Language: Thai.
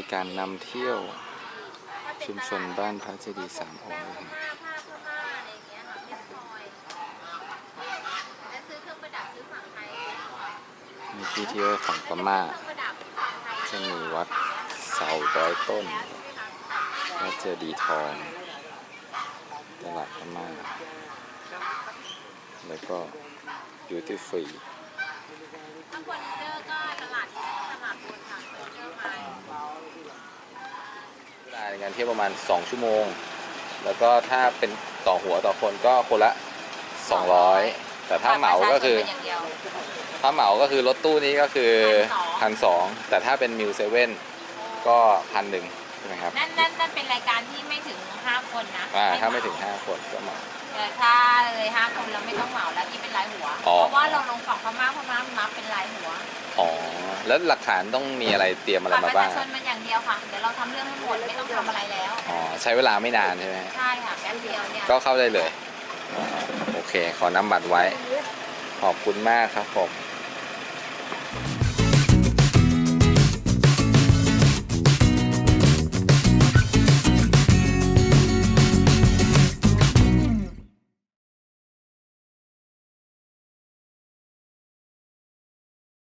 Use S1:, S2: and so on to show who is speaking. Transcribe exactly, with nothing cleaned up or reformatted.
S1: การนำเที่ยวชุมชนบ้านพระเจดีย์สามองค์นะครับมีที่เที่ยวของพม่าจะมีวัดเสาร้อยต้นพระเจดีย์ทองตลาดพม่าแล้วก็ดิวตี้ฟรี
S2: ข้างบนเจอก็ตลาดตลาดบนค่ะเจอมา
S1: เวลาในการเที่ยวประมาณสองชั่วโมงแล้วก็ถ้าเป็นต่อหัวต่อคนก็คนละสองร้อยแต่ถ้าเหมาก็คือถ้าเหมาก็คือรถตู้นี้ก็คือพันสองแต่ถ้าเป็นมิวเซเว่นก็พันหนึ่งใช่ไหมครับ
S2: นั่นนั่นนั่นเป็นรายการที่ไม่ถึงห้าคนนะ
S1: อ่าถ้าไม่ถึงห้าคนก็เหมา
S2: แต่ถ้าเลยห้าคนเราไม่ต้องเหมาแล้วที่เป็นรายหัวเพราะว่าเราลงฝั่งพม่าพม่านับเป็นรายหัว
S1: อ๋อแล้วหลักฐานต้องมีอะไรเตรียมอะไรมาบ้าง
S2: ประชาชนมันอย่างเดียวค่ะเดี๋ยวเราทำเรื่องให้หมดไม่ต้องทำอะไรแล้ว
S1: อ๋อใช้เวลาไม่นานใช่ไหม
S2: ใช่ค่ะแป๊บเดียวเนี่ย
S1: ก็เข้าได้เลยโอเคขอนำบัตรไว้ขอบคุณมากครับผม